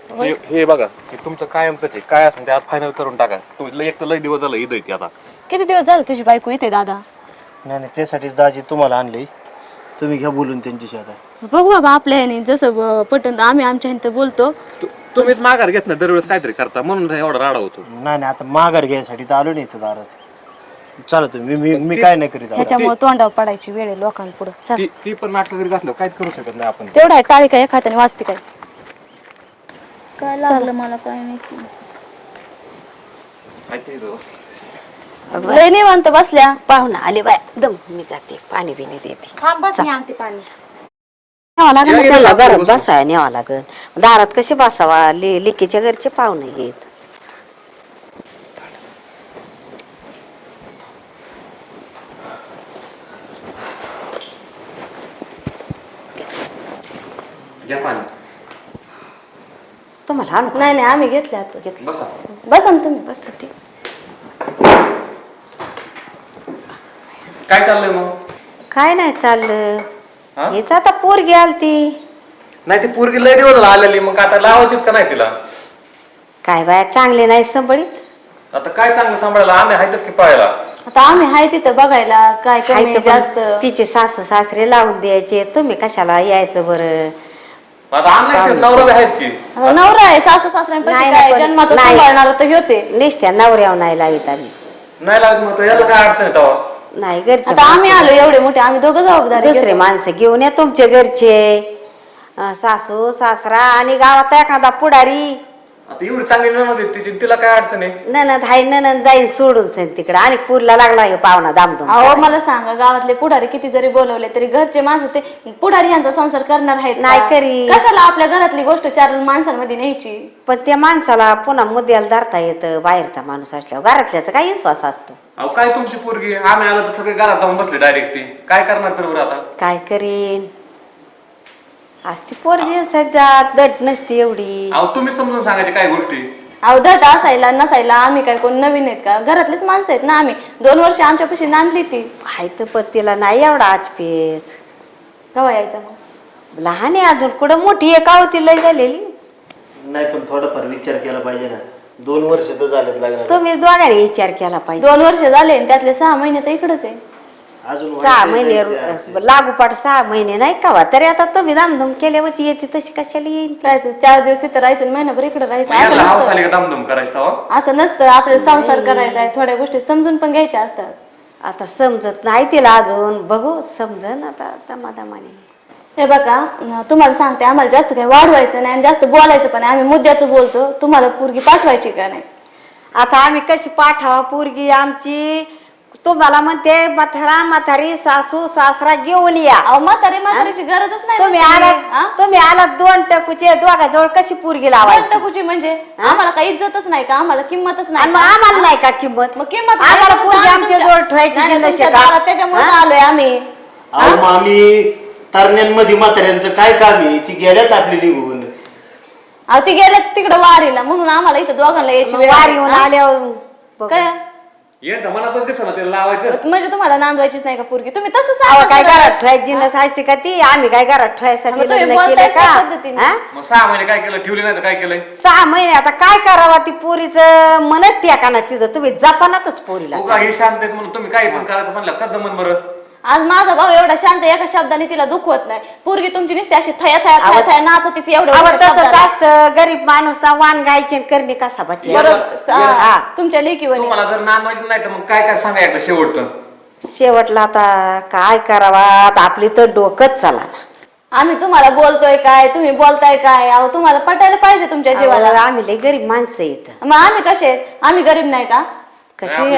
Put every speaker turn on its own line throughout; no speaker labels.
हे बघा हे तुमचं कायमच आहे, काय असेल ते आज फायनल करून टाका. तुम्ही एक तर लय दिवस झालं ईद येते आता.
किती दिवस झाले तुझी बायको इथे दादा?
नाही नाही, त्यासाठीच दाजी तुम्हाला आणले. तुम्ही घ्या बोलून त्यांच्याशी आता.
बघू बाबा आपल्या ह्याने जसं पटन आम्ही आमच्या ह्याने बोलतो.
तुम्हीच माघार घेत ना दरवेळेस काहीतरी करता म्हणून एवढा राडा होतो.
नाही नाही, आता माघार घ्यायसाठी तर आलो नाही इथं दारात. चला तुम्ही, मी काय नाही करीत आता.
ह्याच्यामुळे तोंडावर पडायची वेळ आहे लोकांपुढे. चल
ती पण नाटक करीत असलं काहीच करू शकत नाही आपण.
तेवढा आहे टाळी काय एखाद्याने वाचते काय?
काय लागलं मला काय माहिती.
लय निवांत बसल्या.
पाहुणा आले बाय दम, मी जाते पाणी बिणी देते.
थांब बस, मी आणते पाणी.
न्यावं लागेल ना त्याला, घरात बसाय न्यावं लागेल. दारात कशी बसावा, लेकीच्या घरचे पाहुणे येत. तुम्हाला आणू का?
नाही नाही, आम्ही घेतले आता.
घेतलं.
बसा ना तुम्ही.
बस ते
काय चाललंय मग?
काय नाही चाललं, हेच आता पोरगी आलती.
नाही ती पोरगी लय दिवस झाला आलेली, मग आता लावायचीच का नाही तिला?
काय बाया चांगले नाही संभळीत.
आता काय चांगलं सांभाळायला आम्ही आहेतच की पाहायला.
आता आम्ही हाय तिथं बघायला काय
हाय
कमी
तर पण
जास्त.
तिचे सासू सासरे लावून द्यायचे, तुम्ही कशाला यायचं बरं?
आता आम्ही नवरा आहेच की.
आता नवरा आहे, सासू सासऱ्यांपाशी
नाही,
काय
पण
जन्माचं
नाही.
सांभाळणार तर ह्योच आहे.
नेसत्या नवऱ्यावर नाही लावित आम्ही.
नाही लागत मग याला काय अडचण आहे तेव्हा?
नाही, घरचे
आता आम्ही आलो एवढे मोठे, आम्ही दोघं जबाबदारी
दुसरे
घेतो.
माणसं घेऊन या तुमचे घरचे, सासू सासरा आणि गावात एखादा पुढारी.
आता एवढी चांगली नणद आहे तिची, तिला काय अडचण आहे?
ननद हाय, ननद जाईन सोडून सेन तिकडे, आणि पूरला लागला हे पाहुणा दामदुम.
अहो मला सांगा, गावातले पुढारी किती जरी बोलवले तरी घरचे माणसं ते पुढारी यांचा संसार करणार आहेत का?
नाही करीत.
कशाला आपल्या घरातली गोष्ट चार माणसांमध्ये न्यायची?
पण त्या माणसाला पुन्हा मुद्द्याला धरता येतं, बाहेरचा माणूस असल्यावर. घरातल्याचा काही विश्वास असतो.
अहो काय तुमची पोरगी, आम्ही आलो तर सगळे घरात जाऊन बसले डायरेक्ट. ती काय करणार तर बरं आता?
काय करीन, असती पोरगी सज्जात दट नसती एवढी.
अहो तुम्ही समजून सांगायचे काय गोष्टी.
अवधट असायला नसायला आम्ही काय कोण नवीन आहेत का? घरातलेच माणसं आहेत ना आम्ही. 2 वर्ष आमच्यापाशी नांदली ती.
हाय तर पत्तीला नाही एवढा आचपेच.
केव्हा यायचा मग?
लहान आहे अजून, कुठं मोठी आहे का होती लय झालेली.
नाही पण थोडाफार विचार केला पाहिजे ना. 2 वर्ष तर झालेत लागणार.
तुम्ही दोघांनी विचार केला पाहिजे.
2 वर्ष झाले आणि त्यातले 6 महिने तर इकडेच आहे.
अजून
6 महिने लागोपाठ 6 महिने नाही का? तरी आता तुम्ही धामधूम केल्यावरची येते तशी कशाला येईल?
राहायचं 4 दिवस तिथं राहायचं आणि महिनाभर इकडे राहायचं. असं
याला हाऊस
नसतं.
आली का दमदम करायचं तेव्हा?
असं नसतं. आपल्याला संसार करायचा आहे, थोड्या गोष्टी समजून पण घ्यायच्या असतात.
आता समजत नाही तिला अजून, बघू समजन आता दमादमाने.
हे बघा, तुम्हाला सांगते, आम्हाला जास्त काही वाढवायचं नाही आणि जास्त बोलायचं पण नाही. आम्ही मुद्द्याचं बोलतो. तुम्हाला पोरगी पाठवायची का नाही?
आता आम्ही कशी पाठावा पोरगी आमची? तुम्हाला म्हणते म्हातारी सासू सासरा घेऊन या.
अहो म्हातारीची गरजच नाही.
तुम्ही आलात 2 टकूचे दोघाजवळ, कशी पोरगी लावायची?
टकूची म्हणजे आम्हाला काही इज्जतच नाही का? आम्हाला किंमतच नाही
आणि मग
का?
आम्हाला नाही का किंमत?
मग किंमत
आम्हाला पोरगी आमच्या जवळ ठेवायची जिन्नस आहे का?
त्याच्यामुळे आलोय आम्ही.
अहो मामी, तरण्यांमध्ये म्हाताऱ्यांचं काय काम आहे? ती गेल्यात आपली निघून.
अहो ती गेले तिकडे वारीला, म्हणून आम्हाला इथं दोघांना यायची वेळ
वारी
आली.
येऊन
हा?
आल्यावर
काय
यांच्या मनातच दिसत ना तिला लावायचं.
म्हणजे तुम्हाला नांदवायचीच नाही का पोरगी? तुम्ही तसं
अहो काय
सांगा.
घरात ठेवायची जिन्नस असते का ती? आम्ही काय घरात ठेवायसाठी
मग तुम्ही
लग्न
बोलताय
केलं
त्या
का?
पद्धतीने.
हा?
मग 6 महिने काय केलं, ठेवली नाही तर काय केलंय?
6 महिने आता काय करावा? ती पोरीचं मनच टेका ना तिचं. तुम्ही जपानातच पोरीला.
उगा हे शांत आहेत म्हणून तुम्ही काही पण करायचं म्हणलं कसं जमन बरं?
आज माझा भाऊ एवढा शांत, एका शब्दाने तिला दुखवत नाही. पोरगी तुमची नुसती अशी थया थया थया थया नाचत तिथे
अहो
एवढं
तसंच असतं, गरीब माणूस ना वाण गायचे करणे कसा बचे.
बरोबर. तुमच्या लेकीवर
तुम्हाला जर नांदवायचं नाही तर मग काय काय सांगा एकदा शेवटचं.
शेवटला आता काय करावा? आता आपली तर डोकंच चला ना.
आम्ही तुम्हाला बोलतोय काय, तुम्ही बोलताय काय? अहो तुम्हाला पटायला पाहिजे तुमच्या जीवाला.
आम्ही लय गरीब माणसं येत.
मग आम्ही कसे आहेत? आम्ही गरीब नाही का?
कशी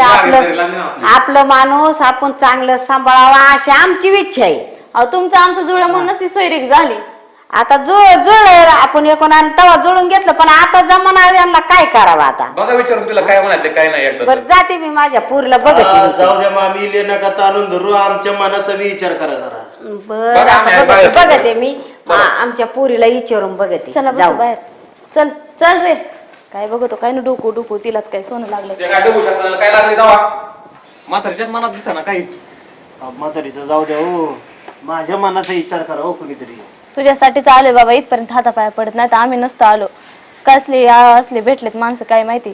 आपलं माणूस आपण चांगलं सांभाळावा अशी आमची इच्छा आहे.
अहो तुमचं आमचं जुळलं म्हणूनच ती सोयरीक झाली.
आता जुळ आपण एकूण तवा जुळून घेतलं, पण आता जमाना यांना काय करावं आता?
बघा विचारून तिला काय म्हणायचं काय नाही एकदा.
बरं जाते मी माझ्या पुरीला
हा,
बघते.
जाऊ द्या मामी, ले नका ताणून धरू. आमच्या मनाचा बी विचार करा जरा.
बरं आता बघते मी आमच्या पुरीला विचारून बघते.
चला बसू बाहेर. चल चल रे. काय बघतो काय ना डोकू डोकू तिलाच काय सोनं लागलं.
ते काय डबू शकता काय लागले दवा म्हातारीच्याच मनात दिसा ना काही.
म्हातारीचं जाऊ द्या हो, माझ्या मनाचा विचार करा हो कुणीतरी.
तुझ्यासाठीच आलोय बाबा, इथपर्यंत हातापाया पडत नाही तर आम्ही नसतो आलो. कसले असले भेटलेत माणसं काय माहिती.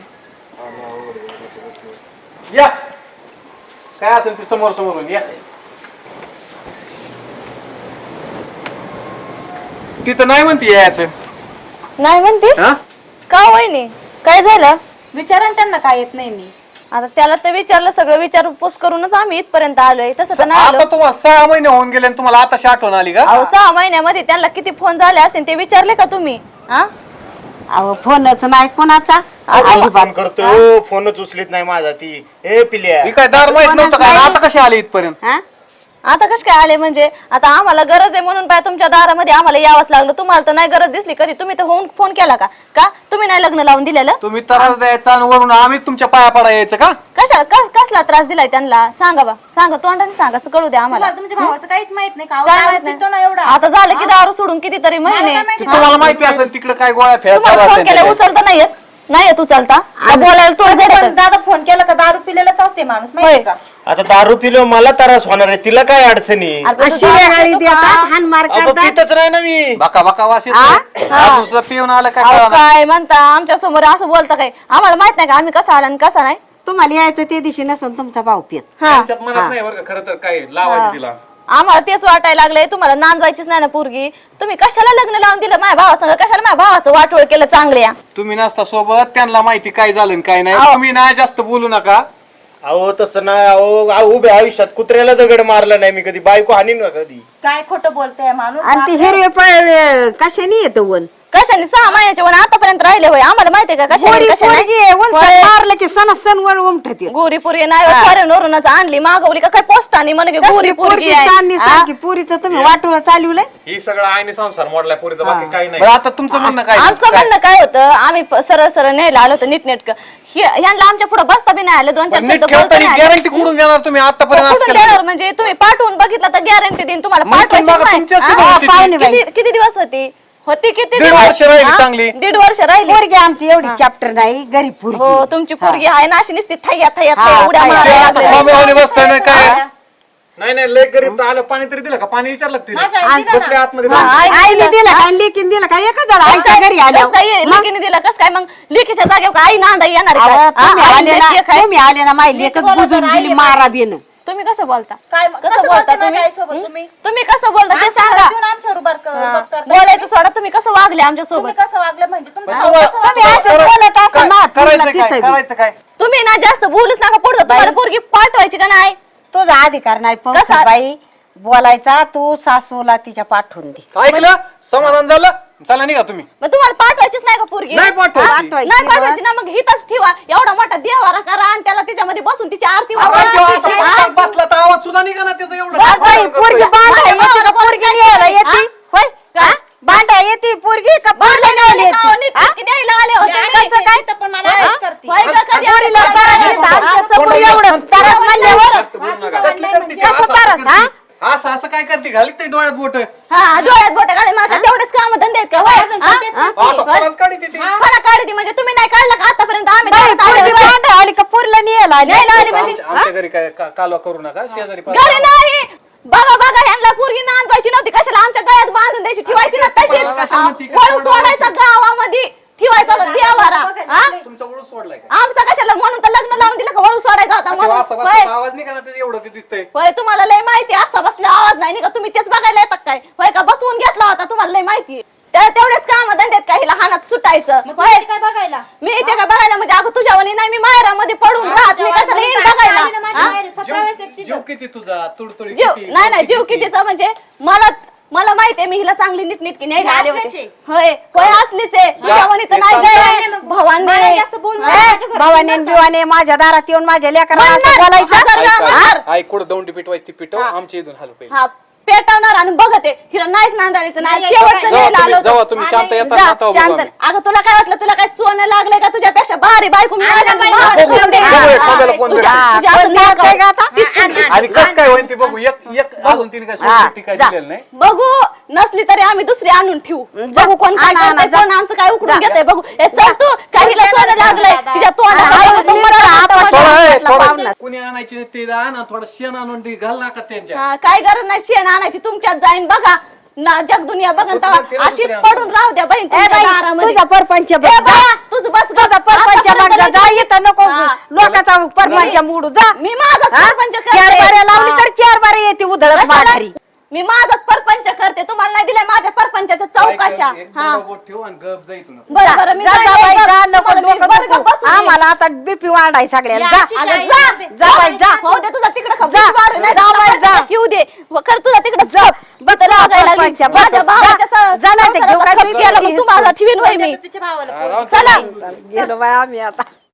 या काय असेल ते समोर समोरून या. तिथं नाही म्हणते यायचं.
नाही म्हणते
हा?
का वहिनी काय झालं?
विचारा ना त्यांना काय येत नाही मी.
आता त्याला तर विचारलं, सगळं विचारपूस करूनच आम्ही इथपर्यंत आलोय. तसं तर नाही आलो.
आता तुम्हाला 6 महिने होऊन गेले आणि तुम्हाला आता आठवण आली का?
अहो 6 महिन्यामध्ये त्यांना किती फोन झाले असतील ते विचारले का तुम्ही? हा
अहो फोनच नाही कोणाचा.
फोन करतो, फोनच उचलीत नाही माझा ती. ए पिल्या,
ही काय दार माहित नव्हतं काय? आता कशी आली इथपर्यंत?
हा?
आता कश काय आले म्हणजे? आता आम्हाला गरज आहे म्हणून पाय तुमच्या दारामध्ये आम्हाला यावंच लागलं. तुम्हाला तर नाही गरज दिसली कधी. तुम्ही तर होऊन फोन केला का? का तुम्ही नाही लग्न लावून दिलेलं?
तुम्ही त्रास द्यायचा आणि वरून आम्ही तुमच्या पाया पडा यायचं का?
कशा कसला त्रास दिलाय त्यांना? सांगा बा, सांगा तोंडाने सांगा, असं कळू द्या आम्हाला.
तुमच्या भावाचं काहीच माहित नाही का?
काय माहित नाही?
एवढा
आता झालं की दारू सोडून कितीतरी महिने.
ती तुम्हाला माहिती असेल तिकडे काय गोळ्या
तुम्हाला फोन केला
फेऱ्या
उचलता नाही येत? नाही येत उचलता? का बोलायला तो
दादा फोन केला का दारू पिलेलाच असते माणूस माहिती का?
आता दारू पिलो मला त्रास होणार आहे, तिला काय अडचणी?
शिव्या गाडी देतात, हाणमार
अगं
करतात.
पितच नाही ना मी.
बका बका वास येतो. दुसरं पिऊन आलं काय
अहो,
कळलं?
काय म्हणता आमच्या समोर असं बोलता काय? आम्हाला माहित नाही का आम्ही कसा आला आणि कसा नाही?
तुम्हाला यायचं ते दिवशी नसेल तुमचा भाऊ पित.
हा
आमच्यात मनात नाही बरं का खरं तर काय लावायचं तिला.
आम्हाला तेच वाटायला लागलंय. तुम्हाला नांदवायचीच नाही ना पोरगी. तुम्ही कशाला लग्न लावून दिलं माझ्या भावासंग? कशाला माझ्या भावाचं वाटोळ केलं चांगल्या?
तुम्ही नसता सोबत, त्यांना माहिती काय झालं आणि काय नाही.
अहो.
तुम्ही ना जास्त बोलू नका.
अहो तसं नाही. अहो उभ्या आयुष्यात कुत्र्याला दगड मारला नाही मी कधी, बायको हानीन का कधी?
काय खोटं बोलतोय माणूस.
आणि ते हिरवे पळ कशाने येतं वन?
कशाने 6 महिन्याच्या वन आतापर्यंत राहिले होय? आम्हाला माहितीये का कशाने
गोरी
कशाने?
पोरगी आहे, उलसं
होय.
मारलं की सण वर उमठत येत.
गोरी पोरगी नाही फॉरेनवरूनच आणली मागवली का काय पोस्टाने म्हणे की गोरी पोरगी आहे.
सारखी पुरीचं तुम्ही वाटोळं चालवलंय.
ही सगळं आईने संसार मोडलाय पोरीचा, बाकी काही नाही. आता तुमचं म्हणणं काय?
आमचं म्हणणं काय होतं? आम्ही सरळ सरळ न्यायला आलो होतो नीटनेटकं. ह्यांना आमच्या पुढे बसता बी नाही आलं. 2-4 शब्द बोलता नाही आले.
गॅरंटी कुठून देणार तुम्ही आतापर्यंत?
कुठून देणार म्हणजे? तुम्ही पाठवून बघितलं तर गॅरंटी देईन तुम्हाला.
मग तुम्ही
पाठवायची
बघा,
नाही.
तुमच्याच
हा?
पुढे होती ती.
पाहुणे बाई.
किती किती दिवस होती किती
1.5 वर्ष राहिली
हा?
चांगली.
1.5 वर्ष राहिली.
पोरगी आमची एवढी चॅप्टर नाही, गरीब पोरगी.
हो तुमची पोरगी आहे ना अशी नुसती थैया थैया
हा,
थैया उड्या
थैया.
मारायला लागलेली.
मामेवाली बसताय ना काय?
हा.
नाही नाही लय गरीब तर आलं, पाणी तरी दिलं का? पाणी विचारलं का तिने?
माझ्या आईने दिलं
बसले आतमध्ये
हा,
बसले.
आईने दिलं काय, लेकीने दिलं काय? एकच झालं आईच्या घरी आल्या.
लेकीने दिलं कस काय? मग लेकीच्या जागेवर काय आई नांदा येणार आहे
अहो,
का?
तुम्ही
हा, आई
आले
लेकी
ना,
एक आहे.
तुम्ही आले ना, माझी लेकच बुजून गेली मारा बेन.
तुम्ही कसं बोलता?
काय
कसं बोलता तुम्ही?
आईसोबत तुम्ही?
तुम्ही कसं बोलता ते सांगा.
आमच्यावर उभार
हा.
करताय.
बोलायचं सोडा. तुम्ही कसं वागले आमच्या
तुम्ही
सोबत?
कसं वागलं म्हणजे तुमचं
पण
भाऊ
तुम्हाला-
कसं
तुम्ही
वागलं?
असं बोलत असता ना,
करायचं
तुला
काय?
तिथं
करायचं काय?
तुम्ही ना जास्त बोलूच नका पुढचं. तुम्हाला पोरगी पाठवायची का नाही?
तुझा अधिकार नाही
कसा?
पाहू बाई बोलायचा. तू सासूला तिच्या पाठवून दे.
ऐकलं? समाधान झालं? चला निघा तुम्ही.
मग तुम्हाला पाठवायचीच नाही का पोरगी?
नाही पाठवायची.
हा?
पाठवायची.
नाही पाठवायची ना. मग हिथंच ठेवा. एवढा मोठा देवारा करा आणि त्याला तिच्यामध्ये बसून तिची आरती
आवाज जेव्हा असा
वाजवा.
पटकन बसला तर आवाज सुद्धा निघा ना त्याचा एवढं.
बाई, पोरगी बांधा
माझ्या
येते
भावाला
का? पोरगी
बोलायचं
न्यायला
नाही.
येते होय?
काय?
हा? बांधा येते पोरगी का? पोरगी न्यायला येते? हा?
न्यायला आले होते मी.
कसं काय?
इथं पण मला असंच करते.
होय का? कधी
पोरीला
असं
त्रास
करायचं?
देत आमच्या
हा?
समोर एवढं त्रास म्हणल्यावर
जास्त बोलू नका.
कसं त्रास? हा?
असं असं काय करते? घाली ते डोळ्यात बोट.
हा डोळ्यात बोट घाले माझ्या तेवढेच काम धंदे आहेत का? होय? हा?
असं खरंच काढी ती.
मला काढती म्हणजे तुम्ही नाही काढलं का आतापर्यंत? आम्ही
बाई,
दारात आलो.
पोरगी बांधा आली का? पोरीला न्यायला आली?
न्यायला आली म्हणजे?
आमच्या घरी काय कालवा करू नका. शेजारी
घरी नाही. बघा बघा ह्यांना पोरगी नांदवायची नव्हती. कशाला आमच्या गळ्यात बांधून द्यायची? ठेवायची ना तशीच.
मला कशाला म्हणती?
वळू सोडायचा गावामध्ये. ठेवायचा होता देवारा. हा?
तुमचा ओळख सोडलाय का?
आमचा कशाला? म्हणून तर लग्न लावून दिलं का? वळू सोडायचा होता
तेव्हा
म्हणून.
असा
होय.
बसला आवाज निघा ना त्याचं एवढं ते दिसतंय.
होय तुम्हाला लय माहिती. असा बसला आवाज नाही का? तुम्ही तेच बघायला येतात काय? होय का? बसवून घेतला होता. तुम्हाला लय माहिती. तेवढेच काम धंद्यात काही लहानात सुटायचं.
मग
होय
तुम्ही काय बघायला?
मी इथे काय बघायला म्हणजे? अगं तुझ्यावानी नाही मी माहेरामध्ये पडून राहत. मी कशाला येईन बघायला? हा?
जीव किती तुझा? तुडतुडी
जीव
किती?
नाही नाही जीव कितीचा म्हणजे? मला माहितीये मी हिला चांगली नीटनीटकी न्यायला आले होते.
असलीच
होय होय असलीच आहे. तुझ्यावानी तर नाही गं.
मला जास्त बोलू
भावांनी
नका.
भावाने बिवाने माझ्या दारात येऊन माझ्या लेकराला असं बोलायचं.
आई कुठं दोंडी पिटवायची ती पिटव. आमच्या इथून हालू पाहिजे.
हा पेटवणार आणि बघते हिला नाहीच नांदायचं नाही.
नाही,
शेवटचं
जावा
न्यायला आलो
जेव्हा
होतो.
तुम्ही शांत येता
जा,
ना तेव्हा
शांत.
बघू आम्ही.
अगं तुला काय वाटलं? तुला काय सोनं लागलंय का? तुझ्यापेक्षा भारी बायको मी माझ्या
बाई,
भावाला
बघू.
करून देईन.
बघू,
हा,
थांबायला कोण
तुझ्या-
भेटेल?
तुझ्या असं नाक
आहे का आता?
आणि कसं काय होईल ते बघू. एक अजून तिने काय सोडली काय
जा.
दिलेलं नाही.
बघू नसली तरी आम्ही दुसरी आणून ठेवू.
जा.
बघू कोण काय
आणा, आणा,
करतंय,
जा.
कोण आमचं काय उकडून
जा.
घेतंय बघू. हे चल तू काहीला सोनं लागलंय तिच्या तोंडाला.
पाहुणा.
कुणी आणायची ते आण. थोडं शेण आणून ते घाल नका त्यांच्या.
हा, काय गरज नाही शेण आणायची. तुमच्यात जाईन बघा. ना जग दुनिया बघन तेव्हा
तुला
अशीच
दुसऱ्या
पडून राहू द्या बहीण
ए
तुमच्या
बाई,
दारामध्ये.
तुझा परपंच बघ,
ए
जा.
बाया, तुझं बस गं.
तुझा परपंच
आतापर्यंत
बघ, जा
लई-
इथं नको
हा.
लोकांचा परपंच मोडू जा.
मी माझाच
हा?
परपंच करते.
4 बाऱ्या लावली
हा.
तर 4 बाऱ्या येते उधळत
कशाला?
माघारी.
मी माझाच परपंच करते तुम्हाला नाही दिलाय माझ्या परपंचाच्या चौकशा. हा
ठेव आणि गप जा इथून.
बरं बरं मी
जा, जा
जाते
बाई,
बरं.
जा, नको
तुम्हाला मी
डोकं
बरं
दुखू.
का बसून येईन.
आम्हाला आता बीपी वाढाय सगळ्याला जा.
अगं जा.
जा बाई, जा.
हो दे तुझा तिकडे
जा. जा बाई, जा.
येऊ दे खरं तुझा तिकडे
जा.
बघ
परपंच, बघ.
माझ्या भावाच्या
जा. जा नाही तर घेऊ काय
संसाराचा खप
तुम्ही
गेला, मग
हिसकून.
तुम्हाला ठेवीन वय मी
हा, राहू दे.
चला
गेलो बाई आम्ही आता